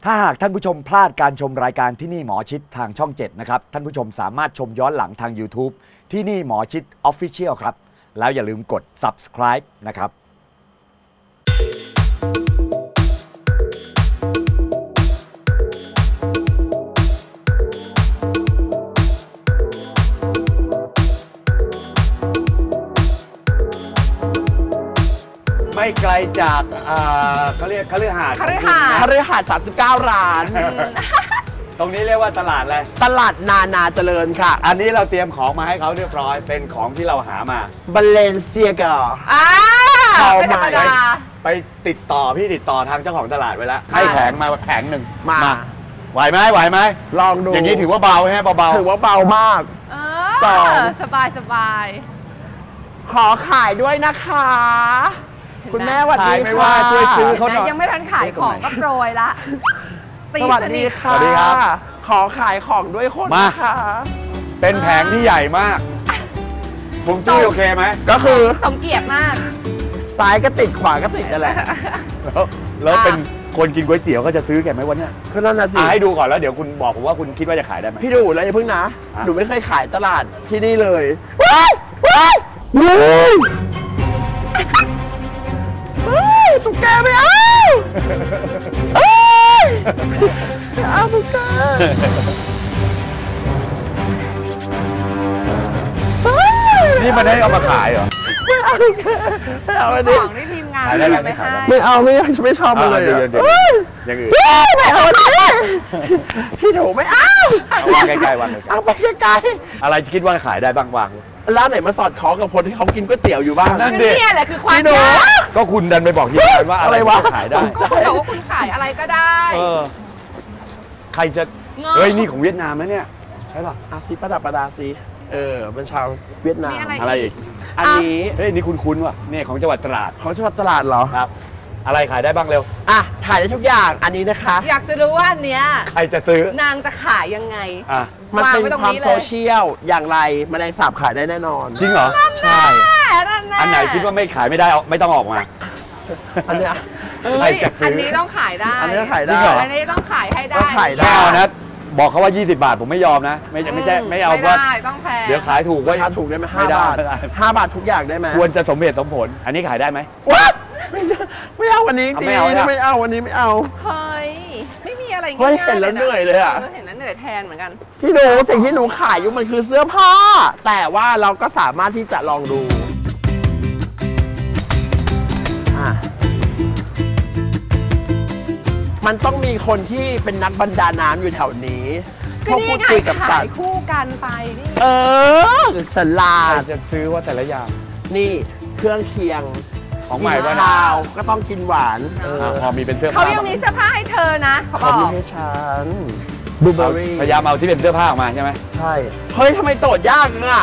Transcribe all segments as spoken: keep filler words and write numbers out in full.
ถ้าหากท่านผู้ชมพลาดการชมรายการที่นี่หมอชิดทางช่องเจ็ดนะครับท่านผู้ชมสามารถชมย้อนหลังทาง YouTube ที่นี่หมอชิด Official ครับแล้วอย่าลืมกด Subscribe นะครับไม่ไกลจากเขาเรียกเขาเรียกหาดเขาเรียกหาดเขาเรียกหาดสามสิบเก้าร้านตรงนี้เรียกว่าตลาดอะไรตลาดนานาเจริญค่ะอันนี้เราเตรียมของมาให้เขาเรียบร้อยเป็นของที่เราหามาบาเลนเซียกาอ่าไม่ธรรมดาไปติดต่อพี่ติดต่อทางเจ้าของตลาดไว้แล้วให้แผงมาแผงหนึ่งมาไหวไหมไหวไหมลองดูอย่างนี้ถือว่าเบาใช่ไหมเบาถือว่าเบามากต่อสบายสบายขอขายด้วยนะคะคุณแม่สวัสดีไม่ว่าช่วยซื้อเขาหน่อยยังไม่ทันขายของก็โปรยละสวัสดีค่ะสวัสดีครับขอขายของด้วยคนนะคะเป็นแผงที่ใหญ่มากผมซื้อโอเคไหมก็คือสมเกียรติมากซ้ายก็ติดขวาก็ติดนั่นแหละแล้วแล้วเป็นคนกินก๋วยเตี๋ยวก็จะซื้อแกไหมวันนี้ก็นั่นนะสิให้ดูก่อนแล้วเดี๋ยวคุณบอกผมว่าคุณคิดว่าจะขายได้ไหมพี่ดูแล้วอย่าเพิ่งนะหนูไม่เคยขายตลาดที่นี่เลยว้ายว้ายตุ๊กแกไม่เอาเอาตุ๊กแกนี่มันได้เอามาขายเหรอไม่เอาตุ๊กแกไม่เอาอันนี้ของที่ทีมงานไม่ให้ไม่เอาไม่ไม่ชอบมันเลยอย่างอื่นไม่เอาพี่ถูไม่เอาวางใกล้ๆวางเอาไปใกล้ๆอะไรคิดว่าขายได้บ้างวางร้านไหนมาสอดคล้องกับคนที่เขากินก๋วยเตี๋ยวอยู่บ้างนั่นดินี่แหละคือความยากก็คุณดันไปบอกทีมงานว่าอะไรวะขายได้ก็คุณบอกว่าคุณขายอะไรก็ได้ใครจะเฮ้ยนี่ของเวียดนามนะเนี่ยใช่ป่ะอาซีประดับประดาซีเออเป็นชาวเวียดนามอะไรอีกอันนี้เฮ้ยนี่คุณคุ้นว่ะนี่ของจังหวัดตราดของจังหวัดตราดเหรอครับอะไรขายได้บ้างเร็วอ่ะถ่ายได้ทุกอย่างอันนี้นะคะอยากจะรู้ว่าอันเนี้ยใครจะซื้อนางจะขายยังไงอ่ะมันเป็นความโซเชียลอย่างไรแมลงสาบขายได้แน่นอนจริงเหรอใช่อันไหนคิดว่าไม่ขายไม่ได้ไม่ต้องออกมาอันเนี้ยอันนี้ต้องขายได้อันนี้ขายได้อันนี้ต้องขายให้ได้ขายได้นะบอกเขาว่ายี่สิบบาทผมไม่ยอมนะไม่ไม่ใช่ไม่เอาว่าต้องแพงเดี๋ยวขายถูกก็ขายถูกได้ไหมห้าบาทห้าบาททุกอย่างได้ไหมควรจะสมเหตุสมผลอันนี้ขายได้ไหมว้าไม่ใช่ไม่เอาวันนี้จริงไม่เอาไม่เอาวันนี้ไม่เอาเฮ้ยไม่มีอะไรเฮ้ยเห็นแล้วเหนื่อยเลยอ่ะเห็นแล้วเหนื่อยแทนเหมือนกันพี่หนูสิ่งที่หนูขายอยู่มันคือเสื้อผ้าแต่ว่าเราก็สามารถที่จะลองดูมันต้องมีคนที่เป็นนักบรรดาน้ำอยู่แถวนี้ก็นี่ไงขายคู่กันไปนี่เออสลาดจะซื้อว่าแต่ละอย่างนี่เครื่องเคียงของใหม่ว่าข้าวก็ต้องกินหวานพอมีเป็นเสื้อผ้าเขายังมีเสื้อผ้าให้เธอนะเขาบอกมีให้ฉันบลูเบอร์รี่พยายามเอาที่เป็นเสื้อผ้าออกมาใช่ไหมใช่เฮ้ยทำไมโจทย์ยากอ่ะ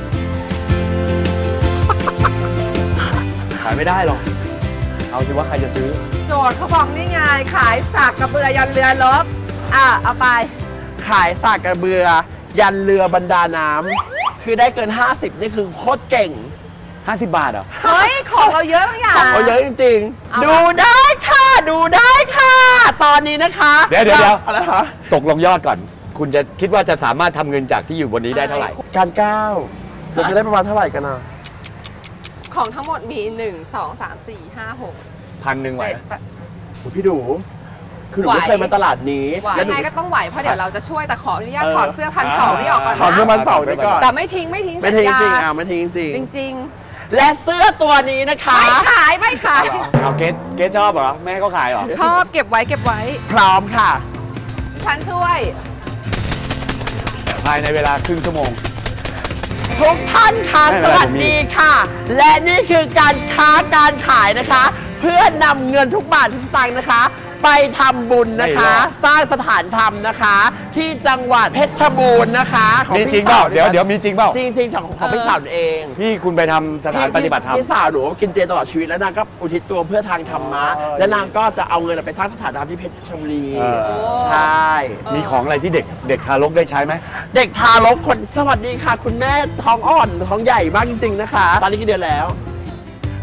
ขายไม่ได้หรอกเอาสิว่าใครจะซื้อโจทย์เขาบอกนี่ไงขายสากกระเบือยันเรือรบอ่ะเอาไปขายสากกระเบือยันเรือบรรดาน้ำคือได้เกินห้าสิบนี่คือโคตรเก่งห้าสิบบาทเหรอเฮ้ยของเราเยอะทุกอย่างของเราเยอะจริงๆดูได้ค่ะดูได้ค่ะตอนนี้นะคะเดี๋ยวเดี๋ยวอะไรคะตกลงยอดก่อนคุณจะคิดว่าจะสามารถทำเงินจากที่อยู่บนนี้ได้เท่าไหร่การก้าวเราจะได้ประมาณเท่าไหร่กันนะของทั้งหมดมีหนึ่งสองสามสี่ห้าหกพันหนึ่งไหวพี่ดูคือหนูไม่เคยมาตลาดนี้ยังไงก็ต้องไหวเพราะเดี๋ยวเราจะช่วยแต่ขออนุญาตถอดเสื้อพันสองนี่ออกก่อนนะถอดเสื้อพันสองไปก่อนแต่ไม่ทิ้งไม่ทิ้งไม่ทิ้งจริงอ่ะไม่ทิ้งจริงจริงและเสื้อตัวนี้นะคะไม่ขายไม่ขายเอาเกสเกสชอบเหรอแม่ก็ขายเหรอชอบเก็บไว้เก็บไว้พร้อมค่ะฉันช่วยภายในเวลาครึ่งชั่วโมงทุกท่านค่ะสวัสดีค่ะและนี่คือการค้าการขายนะคะเพื่อนำเงินทุกบาททุกสตางค์นะคะไปทำบุญนะคะสร้างสถานธรรมนะคะที่จังหวัดเพชรบูรณ์นะคะของพี่สาวเดี๋ยวเดี๋ยวมีจริงเปล่าจริงจริงของของพี่สาวเองพี่คุณไปทำสถานปฏิบัติธรรมพี่สาวหนูกินเจตลอดชีวิตแล้วนางก็อุทิศตัวเพื่อทางธรรมะและนางก็จะเอาเงินไปสร้างสถานธรรมที่เพชรบุรีใช่มีของอะไรที่เด็กเด็กทารกได้ใช้ไหมเด็กทารกคนสวัสดีค่ะคุณแม่ท้องอ่อนท้องใหญ่มากจริงๆนะคะตอนนี้กี่เดือนแล้ว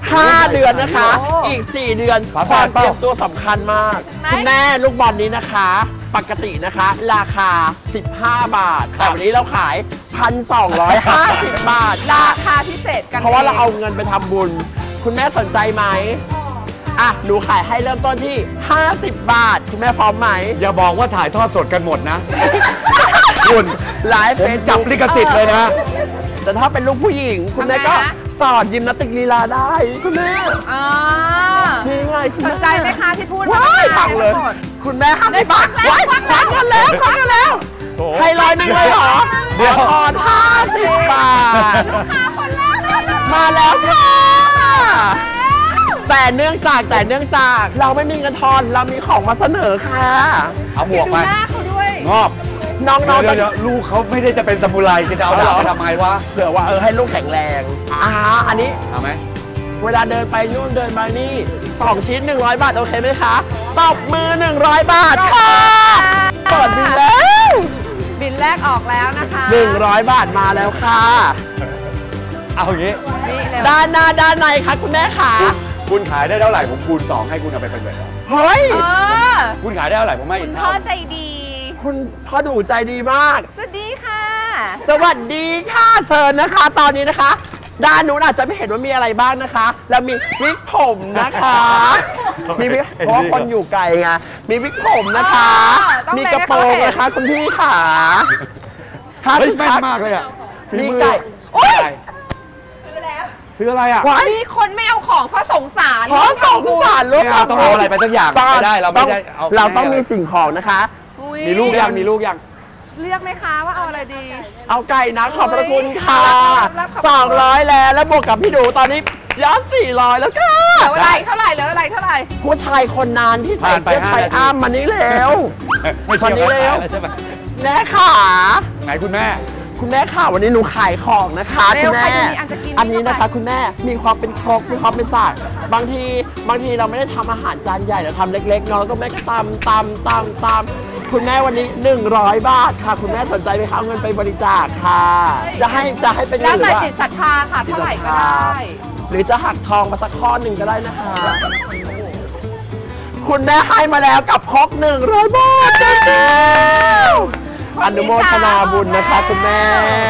ห้าเดือนนะคะ อีกสี่เดือนความเตรียมตัวสำคัญมากคุณแม่ลูกบอลนี้นะคะ ปกตินะคะ ราคาสิบห้าบาทแต่วันนี้เราขาย หนึ่งพันสองร้อยห้าสิบ บาทราคาพิเศษกันเพราะว่าเราเอาเงินไปทำบุญคุณแม่สนใจไหมอ่ะหนูขายให้เริ่มต้นที่ห้าสิบบาทคุณแม่พร้อมไหมอย่าบอกว่าถ่ายทอดสดกันหมดนะ คุณไลฟ์ผมเฟซจับลิขสิทธิ์เลยนะแต่ถ้าเป็นลูกผู้หญิง คุณแม่ก็สอนยิมนาสติกลีลาได้คุณแม่อ่านี่ไงคุณสแม่นใจไหมคะที่พูดว้ายฟังเลย คุณแม่ห้าสิบบาทว้ายควักกันแล้วควักกันแล้วให้ร้อยหนึ่งเลยเหรอเดี๋ยวก่อนห้าสิบบาทคนแรกเลยมาแล้วค่ะ แต่เนื่องจากแต่เนื่องจากเราไม่มีเงินทอนเรามีของมาเสนอค่ะเอาหมวกไปดูหน้าเขาด้วยงอบน้องๆเดี๋ยวเดี๋ยวลูกเขาไม่ได้จะเป็นซามูไรจะเอาดาบไปทำไมวะเผื่อว่าเออให้ลูกแข็งแรงอ่าอันนี้เอาไหมเวลาเดินไปนู่นเดินมานี่สองชิ้นหนึ่งร้อยบาทโอเคไหมคะตบมือหนึ่งร้อยบาทค่ะเปิดบินแล้วบินแรกออกแล้วนะคะหนึ่งร้อยบาทมาแล้วค่ะเอาอย่างนี้นี่เร็วด้านหน้าด้านในค่ะคุณแม่ค่ะคุณขายได้เท่าไหร่ผมคูณสองให้คุณเอาไปเป็นแบบเฮ้ยเออคุณขายได้เท่าไหร่ผมให้อีคุกณเท่าพ่อใจดีคุณพ่อดูใจดีมากสวัสดีค่ะสวัสดีค่ะเชิญนะคะ ตอนนี้นะคะ ด้านนู้นอาจจะไม่เห็นว่ามีอะไรบ้างนะคะ แล้วมีวิกผมนะคะ มีวิกเพราะว่าคนอยู่ไกลไงมีวิกผมนะคะ มีกระโปรงนะคะคุณพี่ค่ะค่ะเฮ้ยคุณแม่นคะมากเลยอ่ะมีไก่โอ้ยซื้ออะไรอ่ะว้ายมีคนไม่เอาของเพราะสงสารเพราะสงสารลูกไม่เอาต้องเอาอะไรไปสักอย่างไม่ได้เราไม่ได้เอาเราต้องมีสิ่งของนะคะอุ๊ยมีลูกยังมีลูกยังเลือกไหมคะว่าเอาอะไรดีเอาไก่นะขอบพระคุณค่ะรับรับขอบคุณสองร้อยแล้วแล้วบวกกับพี่ดูตอนนี้ยอดสี่ร้อยแล้วค่ะเหลืออะไรเท่าไหร่เหลืออะไรเท่าไหร่ผู้ชายคนนั้นที่ใส่เสื้อไทยอ้ามมานี้แล้วไม่คนนี้เร็วใช่ไหมแม่ค่ะไหนคุณแม่คุณแม่ค่ะวันนี้หนูขายของนะคะเร็คุวณใครแม่จะมีอันจะกินอันนี้นี่ก็นะคะไปคุณแม่มีความเป็นครกมีความเป็นศาสตร์บางทีบางทีเราไม่ได้ทำอาหารจานใหญ่เราทำเล็กๆเนาะแล้วก็แม่ก็ตำตำตำตำคุณแม่วันนี้หนึ่งร้อยบาทค่ะ คุณแม่สนใจไหมคะเอาเงินไปบริจาคค่ะ จะให้จะให้เป็นแล้วหรือแต่ว่าจิตศรัทธาค่ะเท่าไหร่ก็ได้หรือจะหักทองมาสักข้อหนึ่งก็ได้นะคะ คุณแม่ให้มาแล้วกับครกหนึ่งร้อยบาทอนุโมทนาบุญนะคะคุณแม่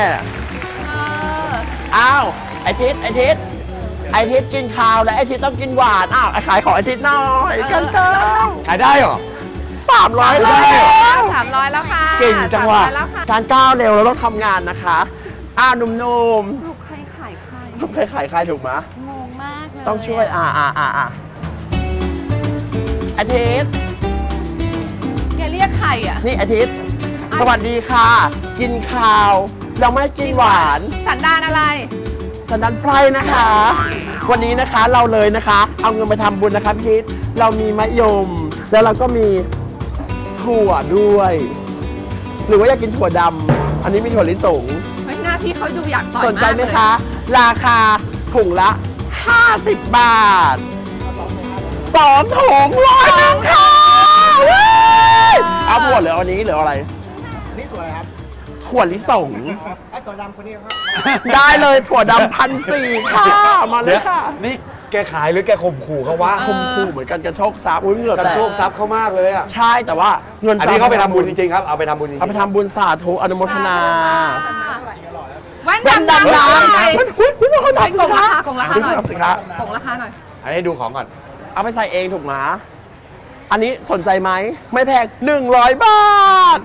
อ้าวไอทิศไอทิศไอทิศกินข้าวและไอทิศต้องกินหวานอ้าวไอขายของไอทิศหน่อยกันเก้าขายได้เหรอสามร้อยได้แล้เหรอวสามร้อยแล้วค่ะเก่งจังว่ะสามร้อยแล้วค่ะการก้าวเร็วเราต้องทำงานนะคะอ้าวหนุ่มสรุปใครขายใครๆต้องใครขายใครถูกไหมงงมากเลยต้องช่วยอ่าอ่าอ่าอ่าอาทิตย์อย่าเรียกใครอ่ะนี่อาทิตย์สวัสดีค่ะ กินข้าวเราไม่ได้กินหวานสันดานอะไรสันดานไพรนะคะ วันนี้นะคะเราเลยนะคะ เอาเงินไปทำบุญนะคะพี่ทิศเรามีมะยม แล้วเราก็มีถั่วด้วย หรือว่าอยากกินถั่วดำอันนี้มีถั่วลิสงเฮ้ยหน้าพี่เขาดูอยากต่อยสนใจไหมากเลยคะ ราคาถุงละห้าสิบบาทสองถุงร้อยหนึ่งค่ะเอาถั่วเหลืออันนี้เหลืออะไรนี่ตัวอะไรครับถั่วลิสงไอ้ตัวดำคนนี้ครับได้เลยถั่วดำพันสี่ค่ะ มาเลยค่ะนี่แกขายหรือแกข่มขู่เขาวะคมคู่เหมือนกันกระโชกทรัพย์อุ้ยเหงื่อกันแตกโชคทรัพย์เขามากเลยอ่ะใช่แต่ว่าเงินอันนี้เขาไปทำบุญจริงๆครับ เอาไปทำบุญจริงๆเอาไปทำบุญสาธุอนุโมทนาแว่นแว่นดำดำดำน้หน่อยำอุ้ยอุ้ยเขาไปทำกงราคากงราคาหน่อยสิคะกงราคาหน่อยอันนี้ดูของก่อนเอาไปใส่เองถูกไหมอันนี้สนใจไหมไม่แพงหนึ่งร้อยบาท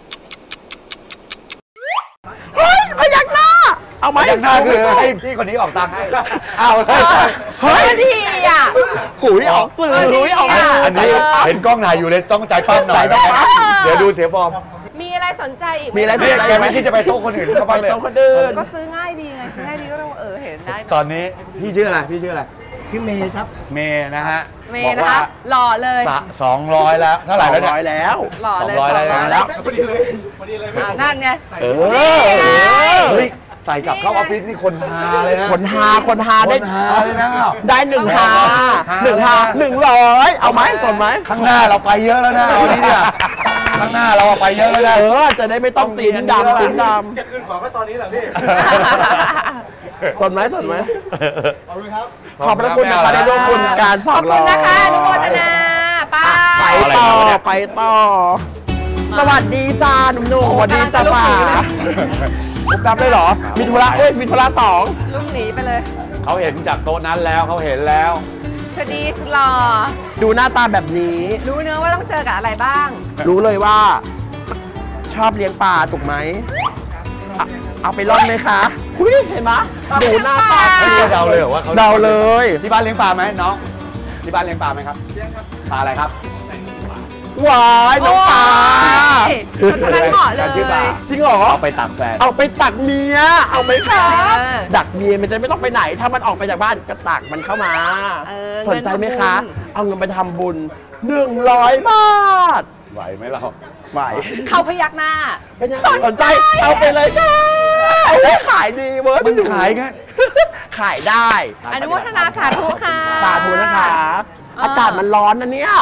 เฮ้ยพยักหน้าเอาไหมอย่างหน้าคือให้พี่คนนี้ออกตังค์ให้ เอาเลยเฮ้ยดีอ่ะหูยออกสื่อหูยออกสื่อันนี้เห็นกล้องถ่ายอยู่เลยต้องใจปั้มหน่อยใจปั้มเดี๋ยวดูเสียฟอร์มมีอะไรสนใจอีกไหมีอะไรเรียกแกไม่คิดจะไปโต๊ะคนอื่นเขาไปบ้างเลยโต๊ะคนอื่นก็ซื้อง่ายดีไงซื้อง่ายดีก็เราเออเห็นได้ไหมตอนนี้พี่ชื่ออะไรพี่ชื่ออะไรชื่อเมย์ครับเมย์นะฮะเมบอย์กนะว่าคะหล่อเลยสองร้อยแล้วเท่าไหร่แล้วสองร้อยเนี่ยแล้วหล่อเลยสองร้อยแล้วสงแล้วพอดีเลยพอดีเลยอ่านั่นไงเออนี่ไงเฮ้ยใส่กลับเข้าออฟฟิศนี่คนฮาเลยนะคนหาคนหาคได้นฮาเลยนะได้หนึ่งหาหนึ่งหาหนึ่งร้อยเอาไหมสนไหมข้างหน้าเราไปเยอะแล้วนะเอานี้เนี่ยข้างหน้าเราไปเยอะแล้วนะเออจะได้ไม่ต้องตีนดำตีนดจะคืนของก็ตอนนี้แหละพี่ำสนไหมสนไหมเอาเลยครับขอบพระคุณนะคะได้ร่วมบุญการสขออง บร้คุอณยนะคะอนุโมทนาไป้าไปต่อไปต่อ สวัสดีจ้าหนุ่มๆสวัสดีจ้าป่าปุ๊บดับได้เหรอ มีธุระเอ้ยมีธุระสองลุงหนีไปเลยเขาเห็นจากโต๊ะนั้นแล้วเขาเห็นแล้วสวัสดีสุดหล่อดูหน้าตาแบบนี้รู้เนื้อะว่าต้องเจอกับอะไรบ้างรู้เลยว่า ชอบเลี้ยงปลาถูกไหมอ่ะเอาไปร่อนไหมคะคุยเห็นไหมดูหน้าตาเฮ้ยเดาเลยเหรอว่าเขาเดาเลยที่บ้านเลี้ยงปลาไหมน้องที่บ้านเลี้ยงปลาไหมครับเลี้ยงครับปลาอะไรครับหวายน้องปลาโอ้ยเพราะฉะนั้นเหมาะเลยชื่อปลาจริงเหรอเอาไปตักแฟนเอาไปตักเมีย เอาไหมคะเออดักเมียมันจะไม่ต้องไปไหน ถ้ามันออกไปจากบ้านก็ตักมันเข้ามาเออสนใจไหมคะเงินทำบุญเอาเงินไปทำบุญหนึ่งร้อยบาทไหวไหมเราไหวเขาพยักหน้าเป็นยังไงสนใจ เอาไปเลยค่ะเอาได้ขายดีเว้ยมันขายกันขายได้อนุโมทนาสาธุค่ะสาธุนะคะอ่าอากาศมันร้อนนะเนี่ย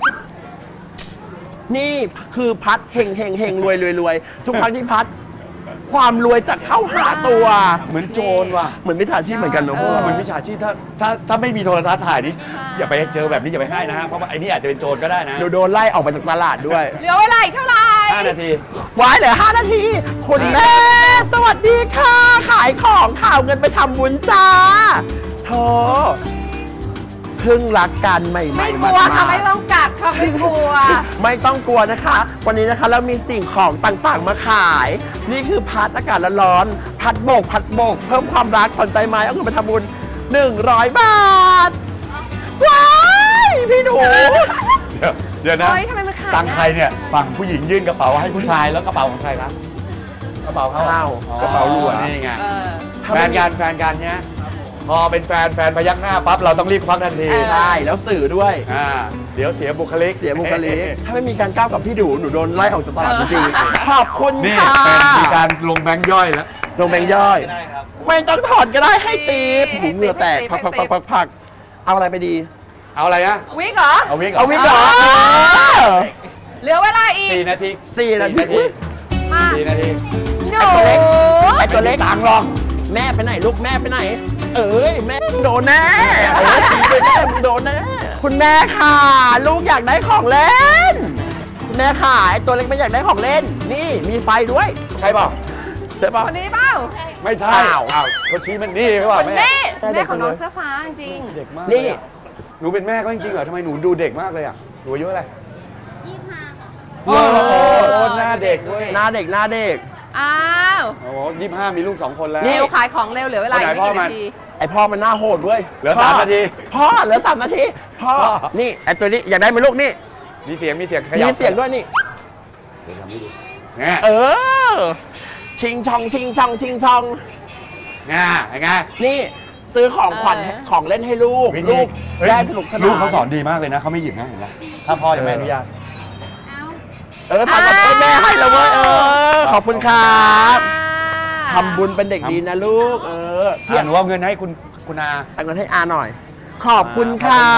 นี่คือพัดเฮงเฮงเฮงรวยรวยรวยทุกครั้งที่พัด ความรวยจะเข้าหาตัวเหมือนโจรว่ะเหมือนมิจฉาชีพเหมือนกันเนอะพวกเออเรามันวิชาชีพถ้าถ้าถ้าไม่มีโทรทัศน์ถ่ายนี่อย่าไปเจอแบบนี้อย่าไปให้นะฮะเพราะว่าไอ้นี่อาจจะเป็นโจรก็ได้นะเดี๋ยวโดนไล่ออกไปจากตลาดด้วยเหลือเวลาอีกเท่าไหร่ห้านาทีไว้เหลือห้านาที คุณแม่ สวัสดีค่ะ ขายของข่าวเงินไปทำบุญจ้าโธ่เพิ่งรักกันใหม่ๆไม่กมาลัวค่ะไม่ต้องกัดค่ะไม่กลัวไม่ต้องกลัวนะคะ วันนี้นะคะเรามีสิ่งของต่างๆมาขาย นี่คือพัดอากาศร้อนๆพัดโบกพัดโบก เพิ่มความรักสนใจไหมเอาเงินไปทำบุญหนึ่งร้อยบาท ว้ายพี่หนูเดี๋ยวเดี๋ยวนะเฮ้ยทำไมมันขายตังค์ใครเนี่ยฝั่งผู้หญิงยื่นกระเป๋าให้ผู้ชายแล้วกระเป๋าของใครครับกระเป๋าเขาอ้าวอ๋อกระเป๋าหลวงนี่ไงเออแฟนกันแฟนกันเนี้ยพอเป็นแฟนแฟนพยักหน้าปั๊บเราต้องรีบควักทันทีเออใช่แล้วสื่อด้วยอ่าเดี๋ยวเสียบุคลิกเสียบุคลิก ถ้าไม่มีการก้าวกับพี่ดูหนูโดนไล่ออกจากตลาดจริงๆขอบคุณนี่ค่ะเป็นมีการลงแบงค์ย่อยแล้วลงแบงค์ย่อย ไม่ต้องถอนก็ได้ให้ตีบให้หูเหงื่อแตกให้พักให้พักพักพักพักเอาอะไรไปดีเอาอะไรนะวิกเหรอเอาวิกเหรเอาวิกเหรอเออเออเหลือเวลาอีกสี่นาทีสี่นาทีมาสี่นาทีหนูไอ้ตัวเล็กต่างลองแม่ไปไหนลูกแม่ไปไหน เอ้ยแม่โดนแน่เออชี้ไปแม่มึงโดนแน่คุณแม่ค่ะ ลูกอยากได้ของเล่นคุณแม่ค่ะไอ้ตัวเล็กไม่อยากได้ของเล่น นี่มีไฟด้วยใช่เปล่าใช่ปะคนนี้เปล่าไม่ใช่เปล่าอ้าวเขาชี้มันนี่ไม่ว่าคนแม่นี้ได้เด็แม่กของน้องเลยเสื้อฟ้าจริงเด็กมากนี่เลยอะหนูเป็นแม่ก็จริงๆเหรอทำไมหนูดูเด็กมากเลยอ่ะหนูอายุอะไรยี่สิบห้าโอ้โหหน้าเด็กเว้ยหน้าเด็กหน้าเด็กอ้าวโอ้โหยี่สิบห้ามีลูกสองคนแล้วเร็วขายของเร็วเหลือเวลาอีกไม่คนไหนพ่อกี่มันนาทีไอพ่อมันหน้าโหดเว้ยเหลือพ่สามนาทีพ่อเหลือสามนาทีพ่อพ่อนี่ไอตัวนี้อยากได้ไหมลูกนี่มีเสียงมีเสียงขมียับเสียงด้วยนี่เดี๋ยวทำให้ดูเนี่ยเออ ชิงชองชิงชองชิงชองง่าไงนี่ซื้อของขวัญเออของเล่นให้ลูกวิธีลูกเฮ้ยได้สนุกสนานลูกเขาสอนดีมากเลยนะเขาไม่หยิบนะเห็นไหมถ้าพ่อยังไม่อนุญาตเออทำกับเออแม่ให้แล้วเว้ยเออขอบคุณครับอ่าทำบุญเป็นเด็กดีนะลูก เออเพียอ่ะงหนูเอาเงินให้คุณคุณอาเอาเงินให้อาหน่อย ขอบคุณครับ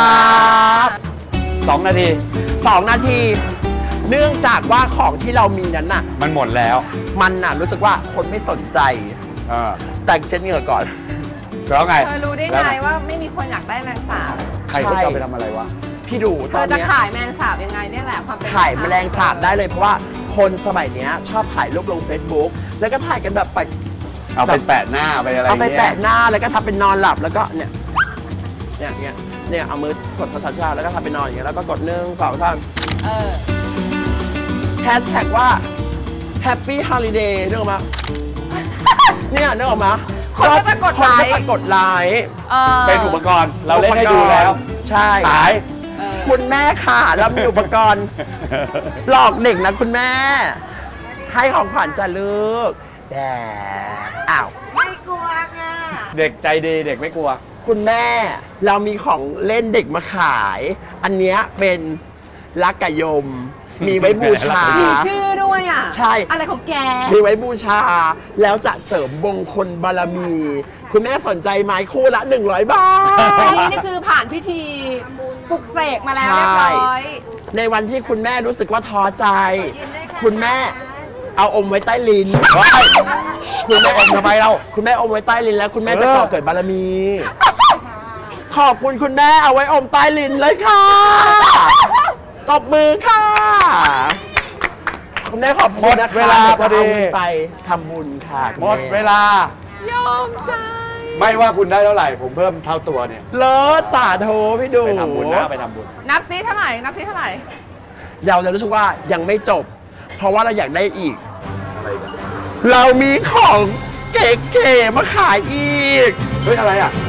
สองนาทีสองนาที เนื่องจากว่าของที่เรามีนั้นน่ะมันหมดแล้วมันน่ะรู้สึกว่าคนไม่สนใจเออแต่เช็ดเหงื่อก่อนแล้วไงเธอรู้ได้แล้วไงว่าไม่มีคนอยากได้แมงสาบใครเขาจะเอาไปทำอะไรวะพี่ดูเธตออน จะเนี้ยขายแมงสาบยังไงเนี่ยแหละความเป็นถ่ายแมลงสาบได้เลยเพราะว่าคนสมัยเนี้ยชอบถ่ายรูปลง Facebook แล้วก็ถ่ายกันแบบไปเอาไปแปะหน้าไปอะไรเอาไปเงี้ยแปะหน้าแล้วก็ทำเป็นนอนหลับแล้วก็เนี่ยเนี่ยเนี่ยเนี่ยเอามือกดโทรศัพท์แล้วก็ทำเป็นนอนอย่างเงี้ยแล้วก็กดหนึ่งสองสามเออแฮชแท็กว่า Happy Holiday นึกออกมา เนี่ยนึกออกมาคนก็จะกดไลค์คนก็จะกดไลค์เออเป็นอุปกรณ์เราเล่นให้ดูแล้วใช่ขายเออคุณแม่ค่ะเรามีอุปกรณ์ หลอกเด็กนะคุณแม่ ให้ของขวัญจ้ะลูกแต่อ้าวไม่กลัวค่ะเด็กใจดีเด็กไม่กลัวคุณแม่เรามีของเล่นเด็กมาขาย อันเนี้ยเป็นลักกะยม มีไว้บูชามีชื่อด้วยอ่ะใช่อะไรของแกมีไว้บูชา แล้วจะเสริมมงคลบารมี คุณแม่สนใจไหมคู่ละ หนึ่งร้อย บาทอันนี้นี่คือผ่านพิธีปลุกเสกมาแล้วเรียบร้อยในวันที่คุณแม่รู้สึกว่าท้อใจ คุณแม่เอาอมไว้ใต้ลิ้นคุณไม่อมทำไมเราคุณแม่อมไว้ใต้ลิ้นแล้วคุณแม่จะเออก่อเกิดบารมี ขอบคุณคุณแม่เอาไว้อมใต้ลิ้นเลยค่ะตบมือค่ะคุณแม่ขอบคุณนะคะเวลาพอดีจะเาไปทำบุญค่ะคุณหมแดเวลายอมใจไม่ว่าคุณได้เท่าไหร่ ผมเพิ่มเท่าตัวเนี่ยเลิศสาธุพี่ดูไปทำบุญนะไปทำบุญนับซิเท่าไหร่ นับซิเท่าไหร่เราจะรู้สึกว่ายังไม่จบ เพราะว่าเราอยากได้อีกอะไรกันเรามีของเก๋ๆมาขายอีกเฮ้ย อะไรอ่ะ